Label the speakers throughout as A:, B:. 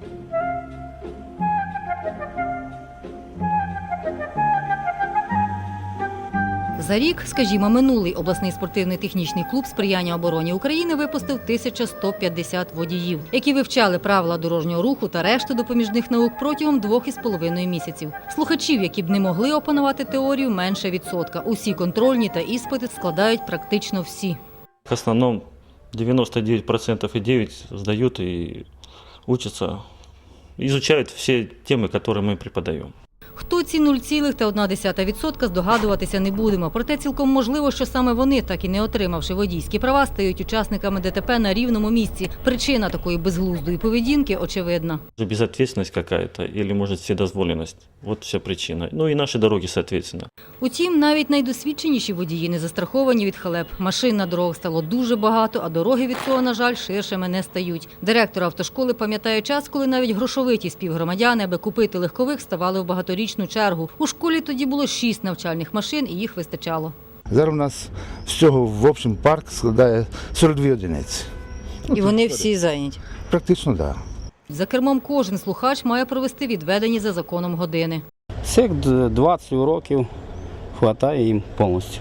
A: За рік, скажімо, минулий обласний спортивний технічний клуб сприяння обороні України випустив 1150 водіїв, які вивчали правила дорожнього руху та решту допоміжних наук протягом 2,5 місяців. Слухачів, які б не могли опанувати теорію, менше відсотка. Усі контрольні та іспити складають практично всі.
B: В основному 99,9% сдают и учатся, изучают все темы, которые мы преподаем.
A: Хто ці 0,1% здогадуватися не будемо. Проте цілком можливо, що саме вони, так і не отримавши водійські права, стають учасниками ДТП на рівному місці. Причина такої безглуздої поведінки очевидна.
B: Безответственность какая-то или, может, вседозволенность. Вот вся причина. Ну и наши дороги, соответственно.
A: Утім, навіть найдосвідченіші водії не застраховані від халеп. Машин на дорогах стало дуже багато, а дороги від цього, на жаль, ширшими не стають. Директор автошколи пам'ятає час, коли навіть грошовиті співгромадяни, аби купити легкових, ставали в багаторічну чергу. У школі тоді було 6 навчальних машин, і їх вистачало.
C: Зараз у нас всього в общем парк складає 42 одиниці.
D: І вони всі зайняті?
C: Практично, так. Да.
A: За кермом кожен слухач має провести відведені за законом години.
E: Цих 20 уроків вистачає їм повністю.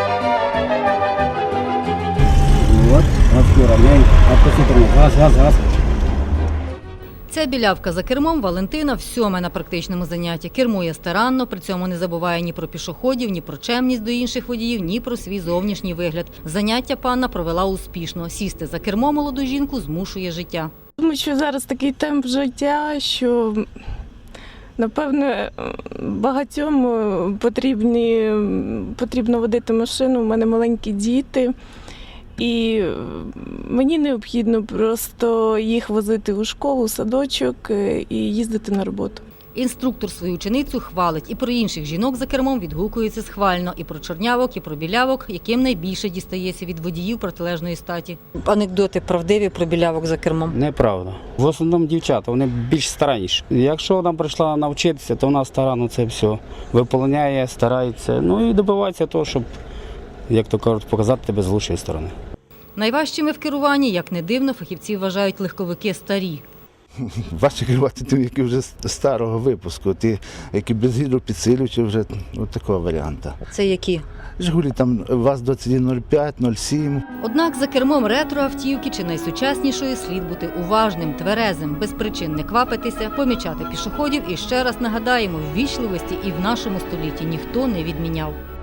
A: Ця білявка за кермом Валентина всьоме на практичному занятті. Кермує старанно, при цьому не забуває ні про пішоходів, ні про чемність до інших водіїв, ні про свій зовнішній вигляд. Заняття панна провела успішно. Сісти за кермо молоду жінку змушує життя.
F: Тому що зараз такий темп життя, що, напевне, багатьом потрібно водити машину. У мене маленькі діти. І мені необхідно просто їх возити у школу, у садочок і їздити на роботу.
A: Інструктор свою ученицю хвалить. І про інших жінок за кермом відгукується схвально. І про чорнявок, і про білявок, яким найбільше дістається від водіїв протилежної статі.
D: Анекдоти правдиві про білявок за кермом?
E: Неправда. В основному дівчата, вони більш старанніші. Якщо вона прийшла навчитися, то вона старанно це все виповняє, старається. Ну і добивається того, щоб, як то кажуть, показати тебе з лучшої сторони.
A: Найважчими в керуванні, як не дивно, фахівці вважають легковики старі.
C: Важче керувати тим, які вже старого випуску, ті, які без гідропідсилювачів, вже такого варіанту.
D: Це які?
C: Жигулі там ВАЗ-2105, 07.
A: Однак за кермом ретроавтівки чи найсучаснішої слід бути уважним, тверезим, без причин не квапитися, помічати пішоходів і ще раз нагадаємо, ввічливості і в нашому столітті ніхто не відміняв.